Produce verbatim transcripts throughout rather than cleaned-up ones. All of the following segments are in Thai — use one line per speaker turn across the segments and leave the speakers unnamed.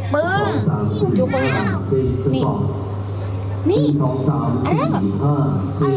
ปึ้งทุกคนเห็นยังนี่นี่
สองสามสี่ห้าสี่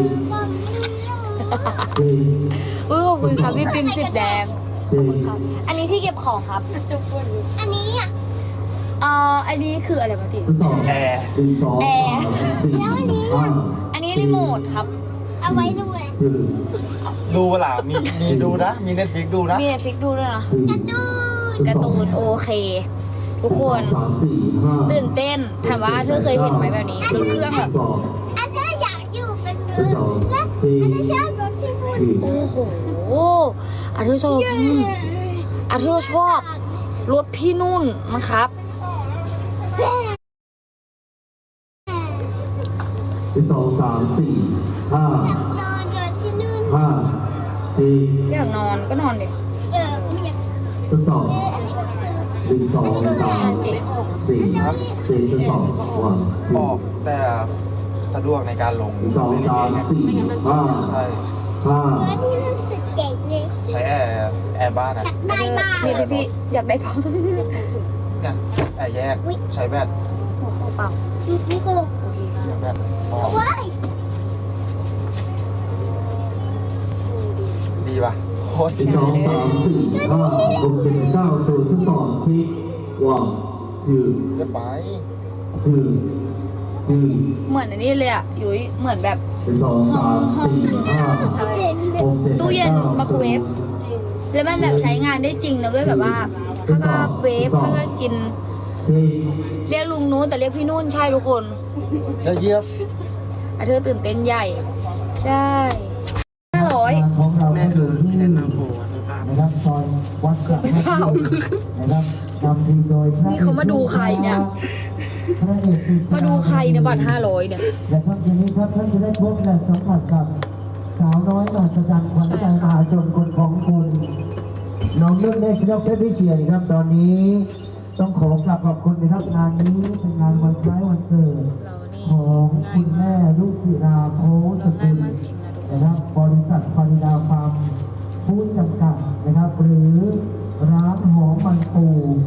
เออขอบคุณครับพี่ปิมสิบแดงขอบคุณครับอันนี้ที่เก็บของครับ
อันนี้อ่ะ
เอ่ออันนี้คืออะไรปะติ
แอร์แอร์แล้วอันนี้
อันนี้รีโมทครับ
เอาไว้ดูเลย
ดูเปล่ามีมีดูนะ มีเน็ตฟิกดูนะ
มีเน็ตฟิกดูด้วยนะ
การ์ตูน
การ์ตูนโอเค ทุกคนตื่นเต้นถามว่าเธอเคยเห็นไหมแบบนี้รถเครื่องแบบ
อันเธออยากอยู่เป็นเรือและอันเธอชอบรถพี่พูด
โอ้โหอาเธอชอบอาเธอชอบรถพี่นุ่นนะครับ
สองสามสี่ห้า
อยากนอนรถพี่นุ่น
ห้าสี่
อยากนอนก็นอนดิ
เออไม่อยาก
ทดสอบหนึ่งสองสามสี่สี่ทดสอบวัน
ออกแต่สะดวกในการลง
สองสามสี่ห้า
ใช่
ห้าร
ถพี่นุ่นสุดเจ๋งเลย
ใช้แอร์แอร์บ้านอ่ะ
ได้บ้าง
นี่พี่พี่อยากได้พอ
เนี่ยแอร์แยกใช้แบต
หัวเขาเปล่า
นี่กู
โอเค
เสียบแบตออก
เว้ย
ดีป่ะโคตร
สองสามสี่ห้าหกเจ็ดเก้าศูนย์ทดสอบเช็ควันจืด
จะไป
จืดจืด
เหมือนอันนี้เลยอ่ะยุ้ยเหมือนแบบ
สองสามสี่ห้าหกเจ็ด
ตู้เย็นไมโครเวฟแล้วมันแบบใช้งานได้จริงนะเว้ยแบบว่าข้างก็เวฟข้างก็กิน
เช็ค
เรียกลุงนู้นแต่เรียกพี่นุ่นใช่ทุกคน
แล้วเยียบ
อาเธอตื่นเต้นใหญ่ ใช่ห้าร้อย
ของเราก็อยู่ที่นะครับซอยวัดกระแสนะครับนำทีมโดย
นี่เขามาดูใครเนี่ย
พระเอกคือ
มาดูใครเนี่ยบัตรห้าร้อยเนี่ย
และครับทีนี้ครับท่านจะได้พบและสัมผัสกับสาวน้อยมหัศจรรย์ขวัญใจมหาชนคนของคุณน้องนุ่นเนชนกเพชรวิเชียรครับตอนนี้ต้องขอกราบขอบคุณนะครับงานนี้เป็นงานวันคล้ายวันเกิด
เรานี่
ของคุณแม่ลูกศิราโพส
เรา
กุ
ง่าย
ล
มากจริงนะทุกคน
นะครับบริษัทคอริดาฟาร์มผู้จำกัดนะครับ หรือร้านหอมมันปู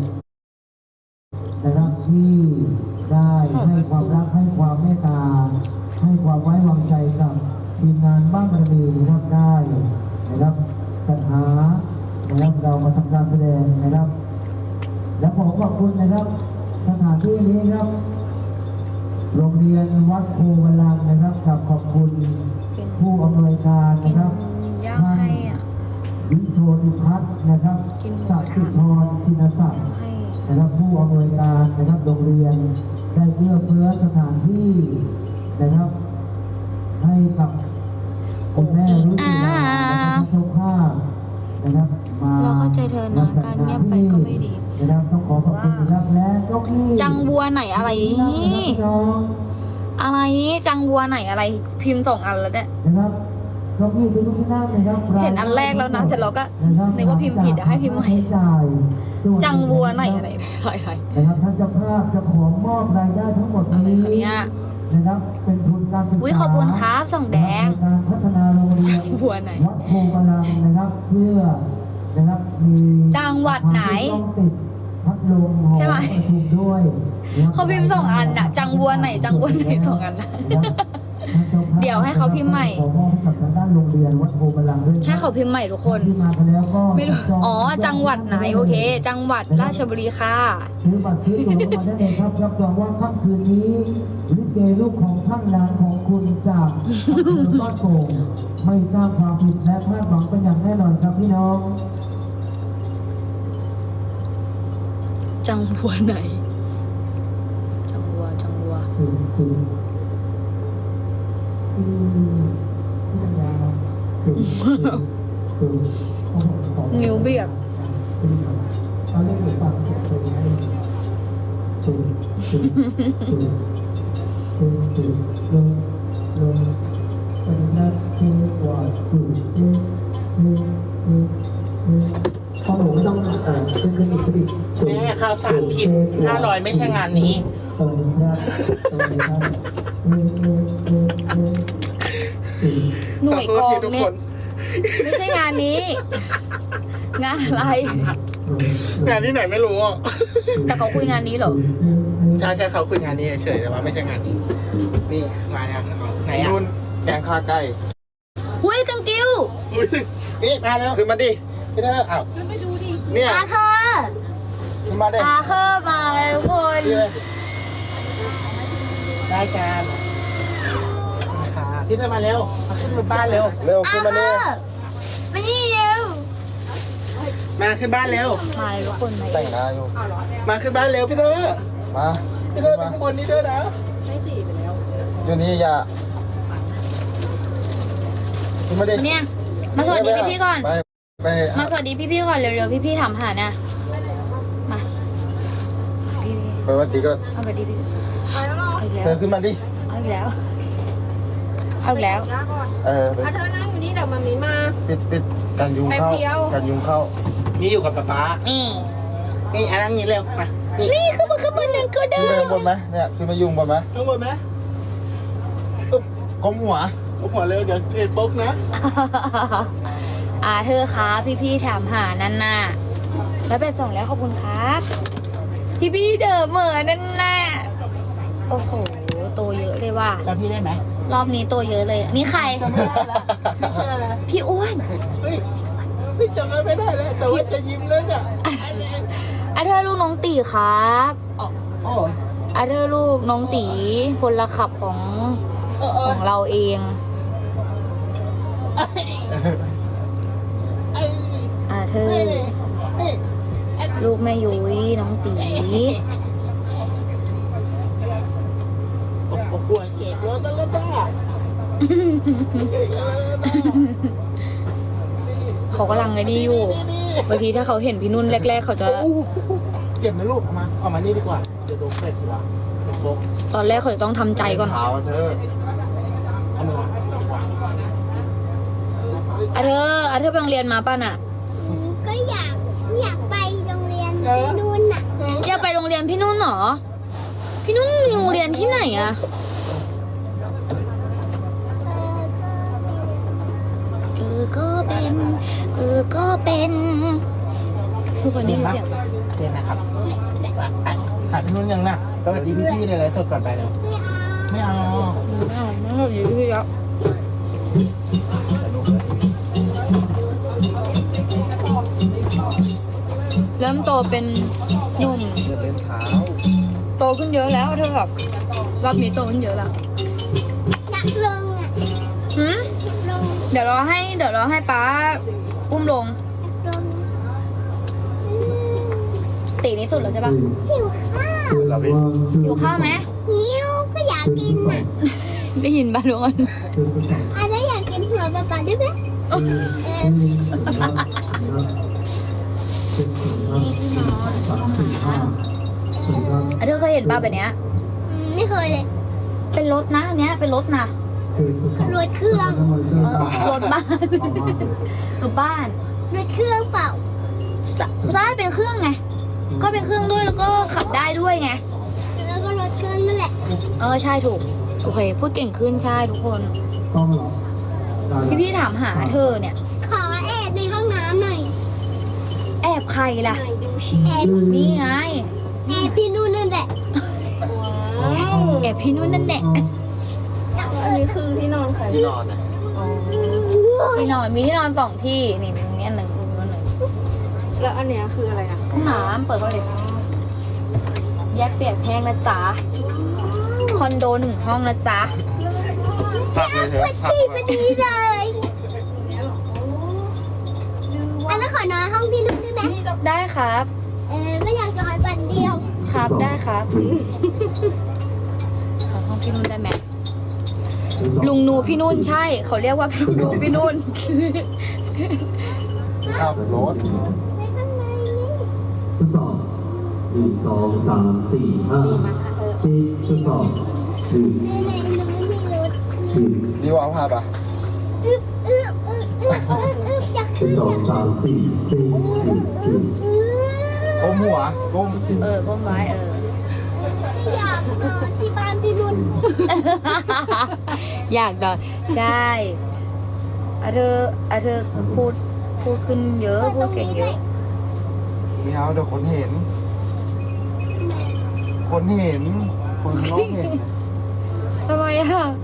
นะครับที่ได้ให้ความรักให้ความเมตตาให้ความไว้วางใจกับทีมงานบ้านบารมีนะครับได้นะครับจัดหานะครับเรามาทำการแสดงนะครับ และขอขอบคุณนะครับสถานที่นี้ครับ โรงเรียนวัดโพวลังนะครับกับขอบคุณ
กิน
ผู้อำนวยการ
กิ
นะ
น
ครับ
ย่างให้อ่ะ
วิโชติพัฒน์นะครับ
กินหมูก
สั
ระ
ก
ทะ
ดิ์พรชินศักดิ์
ให้
นะครับผู้อำนวยการนะครับโรงเรียนได้เอื้อเฟื้อสถานที่นะครับ ให้กับคุณแม่รุ่นที่แล้วนะครับเจ้าภาพนะครับมา
เราเข้าใจเธอนะการเงียบไปก็ไม่ดี
นะครับต้องขอขอบคุณนะครับและเก้าอี้
จังบัวไหนอะไรนี่อะไรจังบัวไหนอะไรพิมพ์สองอันแล้วเนี่ย
นะครับเก้าอี้ทุกที่นั่งนะครับ
เห็นอันแรกแล้วนะเสร็จแล้วก็นึกว่าพิมพ์ผิดเดี๋ยวให้พิมพ์ใหม่ จังบัวไหนอะไรอะไร
นะครับท่านเจ้าภาพจะขอมอบรายได้ทั้งหมด
อะไร
นี้
คะเนี่ย
นะครับเป็นทุนการศึกษา
อุ๊ยขอบคุณครับส่องแดง
การพัฒนาโรงเรียน
จังบัวไหน
วัดโพกำลังนะครับเพื่อนะครับมี
จังหวัดไหน
ต้องติดพัดลม
ใช่ไหม
ประชุมด้วยนะครับ
เขาพิมพ์สองอันน่ะจังบัวไหนจังบัวไหนสองอันน่ะ เดี๋ยวให้เขาพิมพ์ใหม่
ขอมอบให้กับทางด้านโรงเรียนวัดโพกำลังด้วยนะ
ให้เขาพิมพ์ใหม่ทุกคน
ที่มากันแล้วก็
ไม่รู้อ๋อจังหวัดไหนโอเค จังหวัดราชบุรีค่ะ
ซื้อบัตรซื้อตั๋วเข้ามาได้เลยครับรับรองว่าค่ำคืนนี้ลิเกลูกของท่านหลานของคุณจากอำเภอบ้านโป่งไม่สร้างความผิดและพลาดหวังเป็นอย่างแน่นอนครับพี่น้อง
จังบัวไหน จังบัวจังบัว
คือคือคือที่ปัญญาคือคือคือของ
นิ้วเบียด
เขาเรียกหรือเปล่าคือคือคือคือคือคือลงลงเป็นนักเทวาคือคือคือคือคือพอหนูไม่ต้องเอ่อขึ้นขึ้นอีกขึ้นอีก
แม่ข่าวสารผิดห้าร้อยไม่ใช่งานนี้
สวัสดีครับสวัสดีครับเออเออเออเออเออ
หน่วยกอง
ขอโทษทีทุก
เนี่
ค
ย
น
ไม่ใช่งานนี้ งานอะไร
งานที่ไหนไม่รู้อ่ะ
แต่เขาคุยงานนี้เหรอ
ใช่แค่เขาคุยงานนี้เฉยๆแต่ว่าไม่ใช่งานนี้นี่มาแล้วเอาไหนอ่ะ
นุ่นแกงข้าไก่
หุยจังกิ้ว
อุ๊ยนี่มาแล้ว
ขึ้นมาดิ
พี่เธออ้าวเนี่ย
อาค่ะ
ขึ้นมาดิ
อาเคอร์มาเลยทุกคน
พี่เลยได้กันค่ะพี่เธอมาเร็วมาขึ้นบนบ้านเร็ว
เร็ว
อา
ขึ้น
เค
มา
อ
นี่
ร์มานี่เร็ว
มาขึ้นบ้านเร็ว
มาเลยทุกคนมา
แต่งหน้าอยู่
มาขึ้นบ้านเร็วพี่เธอ
มา
พี่เธ
ขึ้
อน ไป
มา
ข้างบนนี้ด้วยนะ
อยู่นี่อย่าขึ้นมาดิ
เนี่ยมาสวัสดีพี่ๆก่อน
ไปไป
มาสวัสดีพี่ๆก่อนเร็วๆพี่ๆถามหานะมาพี่
ไปวัดดีก็
ๆเอาสวัสดีพี่เอาอีก
เธ
แล้
อ
ว
ขึ้นมาดิ
เอาอีกแล้วเอาอีกแล้ว
เออไป
อ่ะเธอนั่งอยู่นี่เดี๋ยวมามีมา
ปิดปิดกันยุงเข้า
แป๊บเดียว
กันยุงเข้า
นี่อยู่กับป๊าป๊า
นี่
นี่อันนั่งนี้เร็วมานี่
นี่คือมันคือมันหนึ่งก็ได้
ขึ้นไปข้างบนไหมเนี่ยขึ้นมายุงบนไหม
ข้างบนไหม
อึ๊บก้มหัว
ผมหัวเร็วเดี๋ยวเอ็ดปุ๊กนะ
อ่าเธอครับพี่ๆถามหานันน่ะแล้วเป็นสองแล้วขอบคุณครับ พี่ๆเดอเหมือนนันน่ะโอ้โหโตเยอะเลยว่ะ
จำพี่ได้ไหม
รอบนี้โตเยอะเลยนี่ใคร
จำไม่ได้แล้วพี่ชื่ออะไร
พี่อ้วน
เฮ้ยพี่จำไม่ได้แล้วแต่ว่าจะยิ้มแล้วเนี่ย
อาเธอลูกน้องตีครับ
อ๋อโอ้ย
อาเธอลูกน้องตีพลขับของ
เออเอ
ข
อ
องเราเอง
ไอ้
อาเธอ
นี่นี่
ลูกแม่ยุ้ยน้องตี
โอ้โหหัวเก่งแล้วนะแล้วนะเก่งแล้วนะ
เขากำลังไอ้นี่อยู่บางทีถ้าเขาเห็นพี่นุ่นแรก ๆ เขาจะ
โอ้โหเก็บไหมลูกเอามาเอามานี่ดีกว่าเดี๋ยวโดนเป็ดดีกว่าเป็นโป๊ก
ตอนแรกเขาจะต้องทำใจก่อน
ขาวเธอ
เอามือมาดีกว่า
อาเธออาเธอไปโรงเรียนมาป่ะน่ะ
อืมก็อยากอยากไปโรงเรียนที่นู่นน่ะ
อยากไปโรงเรียนพี่นุ่นเหรอ พี่นุ่นมีโรงเรียนที่ไหนอะ
เออก็
เออ ก็เป็น เออ ก็เป็น ทุกคนได้ยินเสียง
เต้นนะครับหาพี่นุ่นยังนะสวัสดีพี่ๆเลยเลยสดก่อนไปแล้ว
ไม่เอา
ไม่เอา
ไม่เอาไม่เอาอยู่ที่แล้วเริ่มโตเป็นหนุ่ม
เดินเป็นเท้า
โตขึ้นเยอะแล้วเธอแบบรอบนี้โตขึ้นเยอะแล้ว
อยากลงอ่ะ
หืม
อยากลง
เดี๋ยวเราให้ เดี๋ยวเราให้ป้าอุ้มลง
อยากลง
ตีนี้สุดแล้วใช่ปะ
หิวข้าว
เราดิ
หิวข้าวไหม
หิวก็อยากกินอ่ะ
ได้ยินป่ะทุกคน
อะไรอยากกินหัวปลาปลาได้ไหมเออ
เธอเคยเห็นป้าแบบเนี้ย
อืมไม่เคยเลย
เป็นรถนะอันเนี้ยเป็นรถนะ
รถเครื่อง
เออรถบ้านรถบ้าน
รถเครื่องเปล่า
สใช่เป็นเครื่องไง ก็เป็นเครื่องด้วยแล้วก็ขับได้ด้วยไง
แล้วก็รถเครื่องนั่นแหละ
เออใช่ถูก โอเค พูดเก่งขึ้นใช่ทุกคน พี่พี่ๆถามหาเธอเนี่ย
ขอแอบในห้องน้ำหน่อย
แอบใครล่ะ
แอบ
นี่ไง
แอบพี่นู่นนั่นแหละ
แอบพี่นุ่นนั่นแหละ
อันนี้คือที่นอนใคร
ที่นอนนะ
ที่นอนมีที่นอนสองที่ นี่มีตรงนี้อันหนึ่งตรงนู้นหนึ่ง
แล้วอันเนี้ยคืออะไรอ่ะ
ห้องน้ำเปิดเข้าไปเลยแยกเปียกแห้งนะจ๊ะ คอนโดหนึ่งห้องนะจ๊ะ
พักเลยเถอะพัก
ที่พ
เล
อย ดีเลยอันนั้นขอนอนห้องพี่นุ่นได้ไหม
ได้ครับ
เออไม่อยากนอนวันเดียว
ครับได้ครับขอห้องพี่นุ่นได้ไหมลุงนูพี่นุ่นใช่ เขาเรียกว่าพี่นูพี่นุ่น
ขับรถ
ไปข้างในนี่
ทดสอบหนึ่งสองสามสี่ห้าสี่ทดสอบหนึ่ง
ในในมันไม่มีรถ
หนึ่ง
ดีกว่าเอาพาปะ
อึ๊บอึ๊บอึ๊บอึ๊บอึ๊บอึ๊บอยาก
ท
ขึ้
ด
น
สอบสามสี่สี่หนึ่งหนึ่ง
ก้มหัวก้ม
เออก้มไว้เออ
อยากนอนที่บ้านพี่นุ่น
อยากนอนใช่อะเธออะเธอพูดพูดขึ้นเยอะ พูดเก่งเยอะ
ไม่เอาเดี๋ยวคนเห็น คนเห็นคนข้างนอกเห็น
ทำไมอ่ะ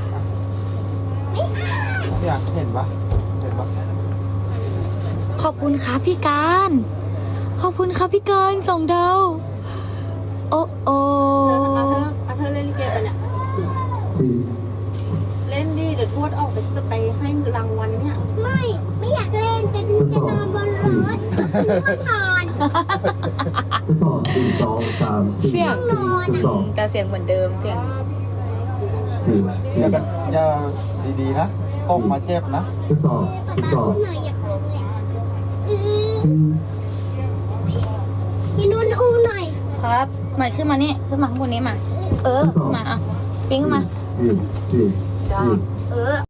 เนี่ยเห็นปะเห็นปะ
ขอบคุณครับพี่การ ขอบคุณครับพี่การสองดาว โอ้โอ
อาเธอเล่นลิเกไปเนี่ย
สี่
เล่นดิเดี๋ยวทวดออกไปจะไปให้รางวัลเนี่ย
ไม่ไม่อยากเล่นจะจะนอนบนรถง่วงนอน
ทดสอบหนึ่งสองสามสี่
เสียง
สี่ทดสอบ
แต่เสียงเหมือนเดิมเสียง
สี่
อย่า
สี่
แบบอย่าดีๆนะตกมาเจ็บนะ
ทดสอบทดส
ป๊า
อบ
อุ้มหน่อยอยากลงเลยอือ
สี่
พี่นุ่นอุ้มหน่อย
ครับเหมือนขึ้นมานี่ขึ้นมาข้างบนนี้มา เออขึ้นมาอ่ะปิ้งขึ้นมา
สี่สี่สี่
เออ